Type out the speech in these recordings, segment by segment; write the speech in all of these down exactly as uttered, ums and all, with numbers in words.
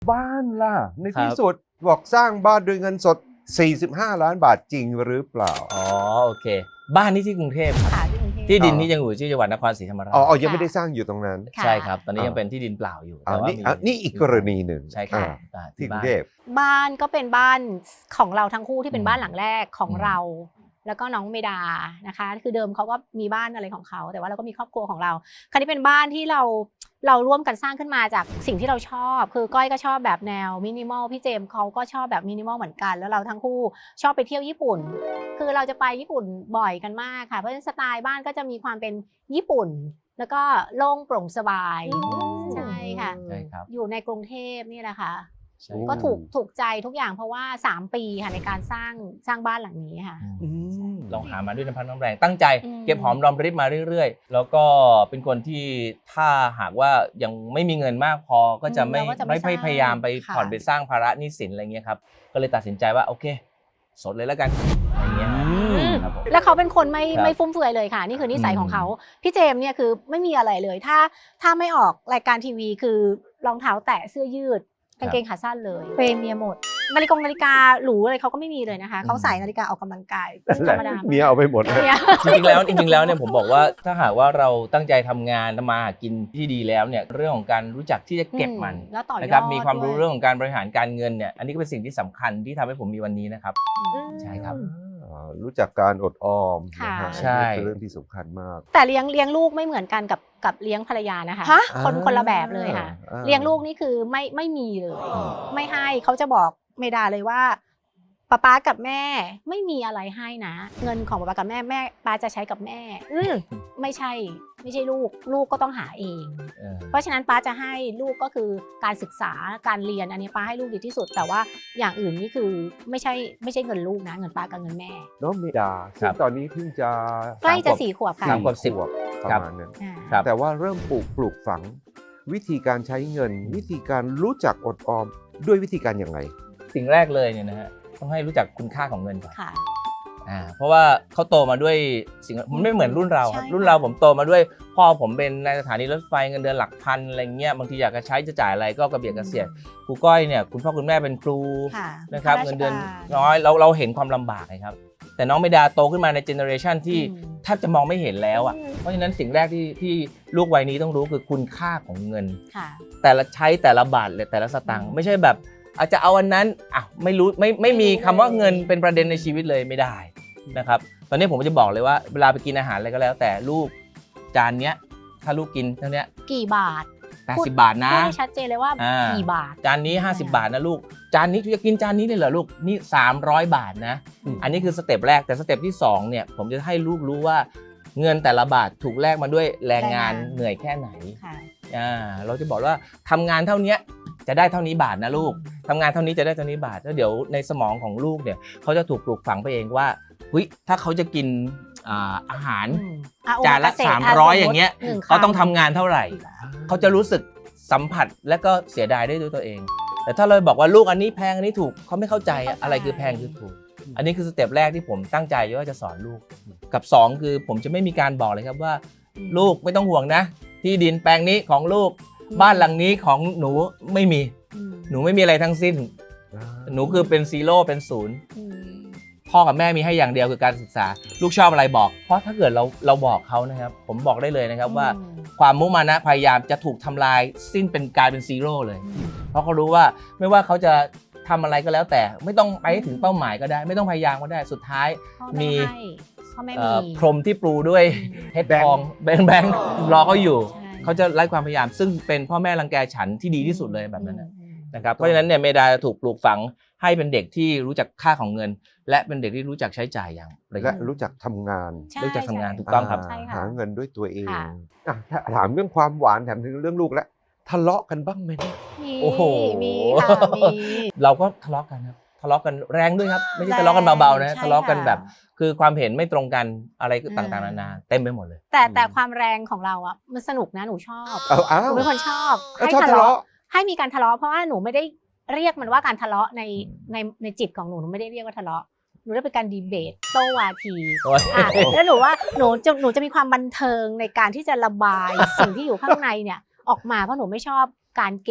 บ้านล่ะในที่สุดบอกสร้างบ้านด้วยเงินสดสี่สิบห้าล้านบาทจริงหรือเปล่าอ๋อโอเคบ้านนี้ที่กรุงเทพครับที่ดินที่ยังอยู่ที่จังหวัดนครศรีธรรมราชอ๋อยังไม่ได้สร้างอยู่ตรงนั้นใช่ครับตอนนี้ยังเป็นที่ดินเปล่าอยู่แต่ว่านี่นี่อีกกรณีหนึ่งใช่ครับที่กรุงเทพบ้านก็เป็นบ้านของเราทั้งคู่ที่เป็นบ้านหลังแรกของเราแล้วก็น้องเมดานะคะคือเดิมเขาก็มีบ้านอะไรของเขาแต่ว่าเราก็มีครอบครัวของเราคราวนี้เป็นบ้านที่เราเราร่วมกันสร้างขึ้นมาจากสิ่งที่เราชอบคือก้อยก็ชอบแบบแนวมินิมอลพี่เจมส์เขาก็ชอบแบบมินิมอลเหมือนกันแล้วเราทั้งคู่ชอบไปเที่ยวญี่ปุ่นคือเราจะไปญี่ปุ่นบ่อยกันมากค่ะเพราะฉะนั้นสไตล์บ้านก็จะมีความเป็นญี่ปุ่นแล้วก็โล่งโปร่งสบายใช่ค่ะอยู่ในกรุงเทพนี่แหละค่ะก็ถูกถูกใจทุกอย่างเพราะว่าสามปีค่ะในการสร้างสร้างบ้านหลังนี้ค่ะลองหามาด้วยน้ำพักน้ำแรงตั้งใจเก็บหอมรอมริบมาเรื่อยๆแล้วก็เป็นคนที่ถ้าหากว่ายังไม่มีเงินมากพอก็จะไม่ไม่พยายามไปผ่อนไปสร้างภาระหนี้สินอะไรเงี้ยครับก็เลยตัดสินใจว่าโอเคสดเลยแล้วกันอะไรเงี้ยแล้วเขาเป็นคนไม่ไม่ฟุ่มเฟือยเลยค่ะนี่คือนิสัยของเขาพี่เจมส์เนี่ยคือไม่มีอะไรเลยถ้าถ้าไม่ออกรายการทีวีคือรองเท้าแตะเสื้อยืดกางเกงขาสั้นเลยเฟรมเมียหมดนาฬิกานาฬิกาหรูอะไรเขาก็ไม่มีเลยนะคะเขาใส่นาฬิกาออกกำลังกายธรรมดาเมียเอาไปหมดเลยจริงๆแล้วจริงๆแล้วเนี่ยผมบอกว่าถ้าหากว่าเราตั้งใจทำงานทำมาหากินที่ดีแล้วเนี่ยเรื่องของการรู้จักที่จะเก็บมันนะครับมีความรู้เรื่องของการบริหารการเงินเนี่ยอันนี้ก็เป็นสิ่งที่สำคัญที่ทำให้ผมมีวันนี้นะครับใช่ครับรู้จักการอดออมใช่เป็นเรื่องที่สำคัญมากแต่เลี้ยงเลี้ยงลูกไม่เหมือนกันกับกับเลี้ยงภรรยานะคะคนคนละแบบเลยค่ะเลี้ยงลูกนี่คือไม่ไม่มีเลยไม่ให้เขาจะบอกเมดาเลยว่าป๊าป๊ากับแม่ไม่มีอะไรให้นะเงินของป๊าป๊ากับแม่แม่ป๊าจะใช้กับแม่อืมไม่ใช่ไม่ใช่ลูกลูกก็ต้องหาเองเพราะฉะนั้นป๊าจะให้ลูกก็คือการศึกษาการเรียนอันนี้ป๊าให้ลูกดีที่สุดแต่ว่าอย่างอื่นนี่คือไม่ใช่ไม่ใช่เงินลูกนะเงินป๊ากับเงินแม่น้องเมดาซึ่งตอนนี้เพิ่งจะใกล้จะสี่ขวบค่ะสามขวบสิบประมาณนั้นแต่ว่าเริ่มปลูกปลูกฝังวิธีการใช้เงินวิธีการรู้จักอดออมด้วยวิธีการอย่างไรสิ่งแรกเลยเนี่ยนะฮะต้องให้รู้จักคุณค่าของเงินก่อนอ่าเพราะว่าเขาโตมาด้วยสิ่งมันไม่เหมือนรุ่นเราครับรุ่นเราผมโตมาด้วยพ่อผมเป็นในสถานีรถไฟเงินเดือนหลักพันอะไรเงี้ยบางทีอยากจะใช้จะจ่ายอะไรก็กระเบียดกระเสียดครูก้อยเนี่ยคุณพ่อคุณแม่เป็นครูนะครับเงินเดือนน้อยเราเราเห็นความลำบากครับแต่น้องเมดาโตขึ้นมาในเจเนอเรชันที่แทบจะมองไม่เห็นแล้วอ่ะเพราะฉะนั้นสิ่งแรกที่ที่ลูกวัยนี้ต้องรู้คือคุณค่าของเงินแต่ละใช้แต่ละบาทแต่ละสตางค์ไม่ใช่แบบอาจจะเอาอันนั้นอ่ะไม่รู้ไม่ไม่มีคำว่าเงินเป็นประเด็นในชีวิตเลยไม่ได้นะครับตอนนี้ผมจะบอกเลยว่าเวลาไปกินอาหารอะไรก็แล้วแต่ลูกจานเนี้ยถ้าลูกกินเท่านี้กี่บาทแปดสิบบาทนะพูดให้ชัดเจนเลยว่ากี่บาทจานนี้ห้าสิบบาทนะลูกจานนี้จะกินจานนี้เลยเหรอลูกนี่สามร้อยบาทนะอันนี้คือสเต็ปแรกแต่สเต็ปที่สองเนี่ยผมจะให้ลูกรู้ว่าเงินแต่ละบาทถูกแลกมาด้วยแรงงานเหนื่อยแค่ไหนอ่าเราจะบอกว่าทำงานเท่านี้จะได้เท่านี้บาทนะลูกทำงานเท่านี้จะได้เท่านี้บาทแล้วเดี๋ยวในสมองของลูกเนี่ยเขาจะถูกปลูกฝังไปเองว่าเฮ้ยถ้าเขาจะกินอาหารจานละสามร้อยอย่างเงี้ยเขาต้องทำงานเท่าไหร่เขาจะรู้สึกสัมผัสและก็เสียดายได้ด้วยตัวเองแต่ถ้าเราบอกว่าลูกอันนี้แพงอันนี้ถูกเขาไม่เข้าใจอะไรคือแพงคือถูกอันนี้คือสเต็ปแรกที่ผมตั้งใจว่าจะสอนลูกกับสองคือผมจะไม่มีการบอกเลยครับว่าลูกไม่ต้องห่วงนะที่ดินแปลงนี้ของลูกบ้านหลังนี้ของหนูไม่มีหนูไม่มีอะไรทั้งสิ้นหนูคือเป็นซีโร่เป็นศูนย์พ่อกับแม่มีให้อย่างเดียวคือการศึกษาลูกชอบอะไรบอกเพราะถ้าเกิดเราเราบอกเขานะครับผมบอกได้เลยนะครับว่าความมุมานะพยายามจะถูกทำลายสิ้นเป็นกลายเป็นซีโร่เลยเพราะเขารู้ว่าไม่ว่าเขาจะทำอะไรก็แล้วแต่ไม่ต้องไปถึงเป้าหมายก็ได้ไม่ต้องพยายามก็ได้สุดท้ายมีพรมที่ปลูด้วยเพชรทองแบงค์แบงค์รอเขาอยู่เขาจะไล่ความพยายามซึ่งเป็นพ่อแม่รังแกฉันที่ดีที่สุดเลยแบบนั้นนะครับเพราะฉะนั้นเนี่ยเมดาถูกปลูกฝังให้เป็นเด็กที่รู้จักค่าของเงินและเป็นเด็กที่รู้จักใช้จ่ายอย่างและรู้จักทำงานรู้จักทำงานถูกต้องครับหาเงินด้วยตัวเองถามเรื่องความหวานแถมถึงเรื่องลูกแล้วทะเลาะกันบ้างไหมเนี่ยโอ้โหมีค่ะมีเราก็ทะเลาะกันครับทะเลาะกันแรงด้วยครับไม่ใช่ทะเลาะกันเบาๆนะทะเลาะกันแบบคือความเห็นไม่ตรงกันอะไรต่างๆนานาเต็มไปหมดเลยแต่แต่ความแรงของเราอ่ะมันสนุกนะหนูชอบหนูเป็นคนชอบให้ทะเลาะให้มีการทะเลาะเพราะว่าหนูไม่ได้เรียกมันว่าการทะเลาะในในในจิตของหนูหนูไม่ได้เรียกว่าทะเลาะหนูได้เป็นการดีเบตโต้วาทีแล้วหนูว่าหนูจะหนูจะมีความบันเทิงในการที่จะระบายสิ่งที่อยู่ข้างในเนี่ยออกมาเพราะหนูไม่ชอบการเก็บ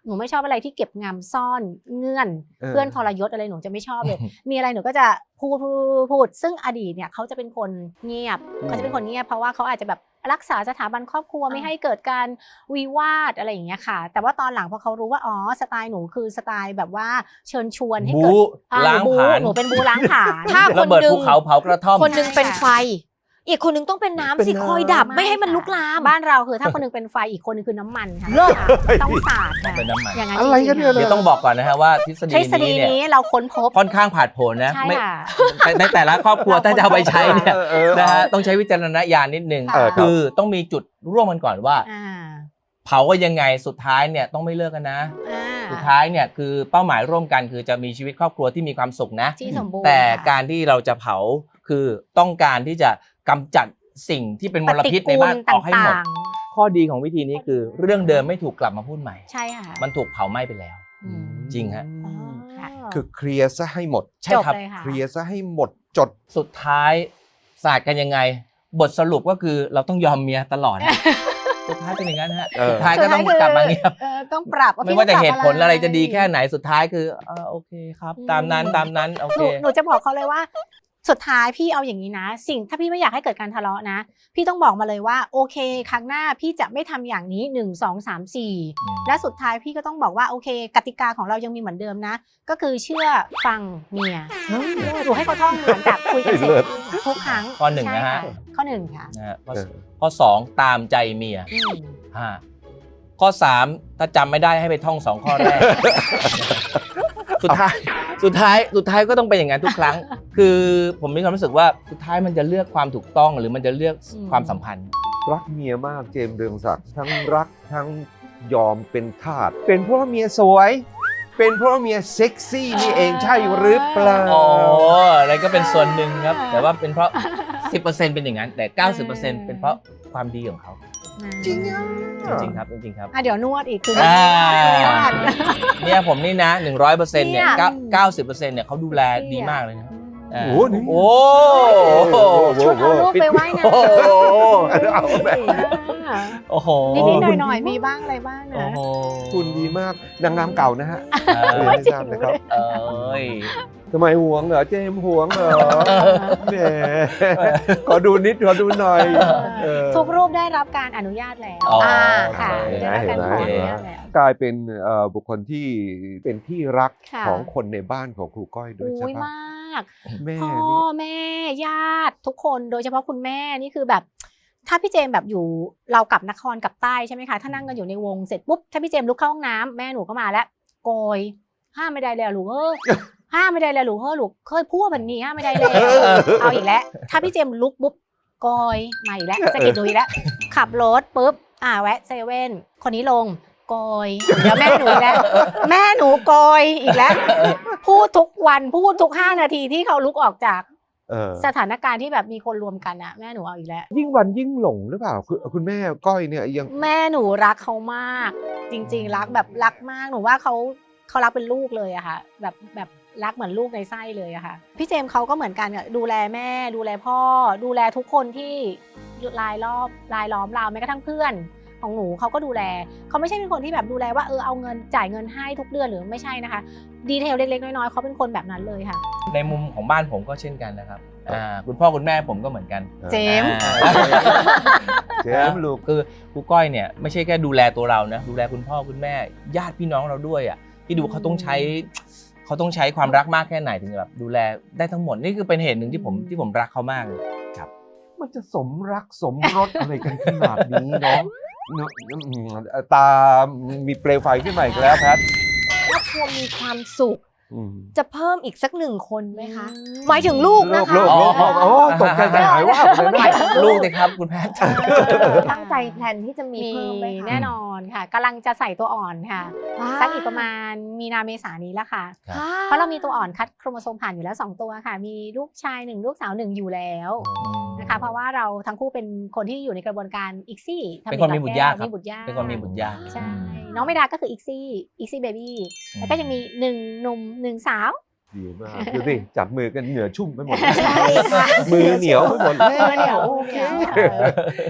หนูไม่ชอบอะไรที่เก็บงำซ่อนเงื่อนเออเพื่อนทรยศอะไรหนูจะไม่ชอบเลย มีอะไรหนูก็จะพูดพูดพูดซึ่งอดีตเนี่ยเขาจะเป็นคนเงียบอืมเขาจะเป็นคนเงียบเพราะว่าเขาอาจจะแบบรักษาสถาบันครอบครัวไม่ให้เกิดการวิวาทอะไรอย่างเงี้ยค่ะ แต่ว่าตอนหลังพอเขารู้ว่าอ๋อสไตล์หนูคือสไตล์แบบว่าเชิญชวนให้เกิดบู๊อ่าล้างบู๊ผลาญหนูเป็นบูล้างผลาญถ้าระเบิดภูเขาเผากระท่อมคนหนึงเป็นไฟ อีกคนหนึงต้องเป็นน้ำเป็นสิน้ำคอยดับไม่ให้มันลุกลามบ้านเราคือถ้าคนหนึงเป็นไฟอีกคนหนึงคือน้ำมันค่ะเลิศต้องสาดค่ะเป็นน้ำมันอย่างนั้นอะไรจกัรินงๆเนี่ยเดี๋ยวต้องบอกก่อนนะฮะว่าทฤษฎีทฤษฎีนี้เนี่ยนี้เราค้นพบค่อนข้างผาดโผนนะใช่ไม่ค่ะแต่ในแต่ละครอบครัวถ้าจะเอาไปใช้เนี่ยเออเออนะฮะต้องใช้วิจารณญาณนิดนึงเออครับคือต้องมีจุดร่วมกันก่อนว่าอ่าเผาก็ยังไงสุดท้ายเนี่ยต้องไม่เลิกกันนะอ่าสุดท้ายเนี่ยคือเป้าหมายร่วมกันคือจะมีชีวิตครอบครัวที่มีความสุขนะที่สมบูรณ์แต่ค่ะการที่เราจะเผาคือต้องการที่จะกำจัดสิ่งที่เป็นมลพิษในบ้านปฏิกูลออกให้หมดต่างข้อดีของวิธีนี้คือเรื่องเดิมไม่ถูกกลับมาพูดใหม่ๆใช่ค่ะมันถูกเผาไหม้ไปแล้วอืมจริงฮะอ๋อค่ะคือเคลียร์ซะให้หมดใช่จบครับเลยค่ะเคลียร์ซะให้หมดจดสุดท้ายศาสตร์กันยังไง บทสรุปก็คือเราต้องยอมเมียตลอด นะ สุดท้ายเป็นอย่างนั้นฮะเออสุดท้ายก็ต้องกลับมาเงียบเออต้องปรับไม่ว่าจะเหตุผลอะไรจะดีแค่ไหนสุดท้ายคือเออโอเคครับ ตามนั้นตามนั้นโอหเคนูหนูจะบอกเขาเลยว่า สุดท้ายพี่เอาอย่างนี้นะ สิ่งถ้าพี่ไม่อยากให้เกิดการทะเลาะนะ พี่ต้องบอกมาเลยว่าโอเค ครั้งหน้าพี่จะไม่ทำอย่างนี้หนึ่งสองสามสี่อืมและสุดท้ายพี่ก็ต้องบอกว่าโอเค กติกาของเรายังมีเหมือนเดิมนะ ก็คือเชื่อฟังเมียหนูให้เขาท่องหลังจากคุยกันเสร็จเลิศทุกครั้งข้อหนึ่งนะฮะใช่ค่ข้อหนึ่งค่ะนะฮะข้อเออข้อสองตามใจเมียอืมห้าข้อสามถ้าจำไม่ได้ให้ไปท่องสองข้อแรก สุดท้ายสุดท้ายสุดท้ายก็ต้องเป็นอย่างนั้นทุกครั้ง คือผมมีความรู้สึกว่าสุดท้ายมันจะเลือกความถูกต้องหรือมันจะเลือกความสัมพันธ์รักเมียมากเจมส์เรืองศักดิ์ทั้งรักทั้งยอมเป็นทาสเป็นเพราะว่าเมียสวย เป็นเพราะว่าเมียเซ็กซี่นี่เองใช่หรือเปล่าอ๋ออะไรก็เป็นส่วนหนึ่งครับ แต่ว่าเป็นเพราะ สิบเปอร์เซ็นต์ เป็นอย่างนั้น แต่ เก้าสิบเปอร์เซ็นต์ เป็นเพราะความดีของเขาจริงอ่ะจริงๆครับจริงๆครับอ่ะเดี๋ยวนวดอีกคืออ่านวดเนี่ยผมนี่นะหนึ่งร้อยเปอร์เซ็นต์เนี่ยเนี่ยเก้าเก้าสิบเปอร์เซ็นต์เนี่ยเขาดูแลดีมากเลยนะอืมาโอ้โหนี่โอ้โอ้โหชุดเอาลูกไปว่ายน้ำโอ้โหเอาแบบอ่าโอ้โหนิดๆหน่อยๆมีบ้างอะไรบ้างโอ้นะโหคุณดีมากนางงามเก่านะฮะเอเรียนอให้ทราบนะครับเอ้ยทำไมหวงเหรอเจมส์หวงเหรอแหมขอดูนิดขอดูหน่อยเออทุกรูปได้รับการอนุญาตแล้วอ๋ออ่าค่ะโอเคได้รับการขออนุญาตแล้วกลายเป็นเอ่อบุคคลที่เป็นที่รักค่ะของคนในบ้านของครูก้อยด้วยใช่อุ้ยปะมากแม่พ่อนี่แม่ญาติทุกคนโดยเฉพาะคุณแม่นี่คือแบบ ถ้าพี่เจมส์แบบอยู่เรากลับนครกลับใต้ใช่ไหมคะถ้านั่งกันอยู่ในวงเสร็จปุ๊บถ้าพี่เจมส์ลุกเข้าห้องน้ำแม่หนูก็มาแล้วโกยห้ามไม่ได้เลยลูกเออ ห้ามไม่ได้เลยลูกเฮ้อลูกเคยพูดแบบนี้ห้ามไม่ได้เลยเอาอีกแล้วถ้าพี่เจมส์ลุกปุ๊บโกยมาอีกแล้วสะกิดดูอีกแล้วขับรถปุ๊บอ่าแวะเซเว่นคนนี้ลงโกยเดี๋ยวแม่หนูอีกแล้วแม่หนูโกยอีกแล้ว พูดทุกวันพูดทุกห้านาทีที่เขาลุกออกจากเออสถานการณ์ที่แบบมีคนรวมกันอะแม่หนูเอาอีกแล้วยิ่งวันยิ่งหลงหรือเปล่าคุณคุณแม่ก้อยเนี่ยยังแม่หนูรักเขามาก จริง ๆ รักแบบรักมากหนูว่าเขาเขารักเป็นลูกเลยอะค่ะแบบแบบรักเหมือนลูกในไส้เลยอะค่ะพี่เจมส์เขาก็เหมือนกันอะดูแลแม่ดูแลพ่อ ดูแลทุกคนที่รายรอบรายล้อมเราแม้กระทั่งเพื่อนของหนูเขาก็ดูแลเขาไม่ใช่เป็นคนที่แบบดูแลว่าเออเอาเงินจ่ายเงินให้ทุกเดือนหรือไม่ใช่นะคะดีเทลเล็กๆน้อยๆเขาเป็นคนแบบนั้นเลยค่ะในมุมของบ้านผมก็เช่นกันนะครับอ่าคุณพ่อคุณแม่ผมก็เหมือนกันเจมส์อ่าเจมส์ลูกคือครูก้อยเนี่ยไม่ใช่แค่ดูแลตัวเรานะดูแลคุณพ่อคุณแม่ญาติพี่น้องเราด้วยอ่ะที่ดูเขาต้องใช้เขาต้องใช้ความรักมากแค่ไหนถึงจะแบบดูแลได้ทั้งหมดนี่คือเป็นเหตุหนึ่งที่ผมที่ผมรักเขามากเลยครับมันจะสมรักสมรสอะไรกันขนาดนี้เนาะเนอะอืมตา มีเปลวไฟขึ้นมาอีกแล้วแพทครอบครัวมีความสุขอืมจะเพิ่มอีกสักหนึ่งคนไหมคะ หมายถึงลูกนะคะลูกลูกลูกโอ้ตกใจใจหายว่าบเลยนะลูกเลยครับคุณแพทย์ตั้งใจแพลนที่จะมีมีเพิ่มไหมคะแน่นอนค่ะกำลังจะใส่ตัวอ่อนค่ะว้าวสักอีกประมาณมีนาเมษายนนี้แล้วค่ะครับเพราะเรามีตัวอ่อนคัดโครโมโซมผ่านอยู่แล้วสองตัวค่ะ มีลูกชายหนึ่งลูกสาวหนึ่งอยู่แล้วนะคะเพราะว่าเราทั้งคู่เป็นคนที่อยู่ในกระบวนการอีกซี่เป็นคนมีบุตรยากครับมีบุตรยากเป็นคนมีบุตรยากใช่น้องเมดาก็คืออีกซี่อีกซี่เบบี้แล้วก็จะมีหนึ่งหนุ่มหนึ่งสาวดีมากดูสิจับมือกันเหงื่อชุ่มไปหมดใช่ค่ะมือเหนียวไปหมดมือเหนียวโอเคมือเหนียว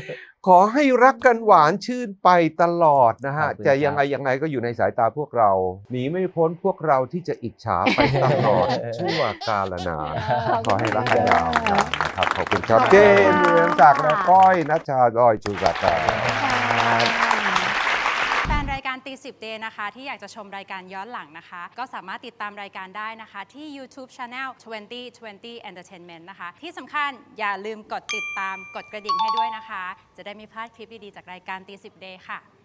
ขอให้รักกันหวานชื่นไปตลอดนะฮะขอบคุณจะครับยังไงยังไงก็อยู่ในสายตาพวกเรา หนีไม่พ้นพวกเราที่จะอิจฉาไปตลอด ชั่วกาลนาน ขอให้รักกันยาวนานนะครับ ขอบคุณครับขอบคุณเจมส์เรืองศักดิ์และก้อยนัชชาดอยชูศักดิ์ครับแฟนรายการตีสิบเดย์นะคะที่อยากจะชมรายการย้อนหลังนะคะ ก็สามารถติดตามรายการได้นะคะที่ YouTube Channel ยี่สิบ ยี่สิบ Entertainment นะคะ ที่สำคัญอย่าลืมกดติดตามกดกระดิ่งให้ด้วยนะคะ จะได้ไม่พลาดคลิปดี ๆ จากรายการตีสิบเดย์ค่ะ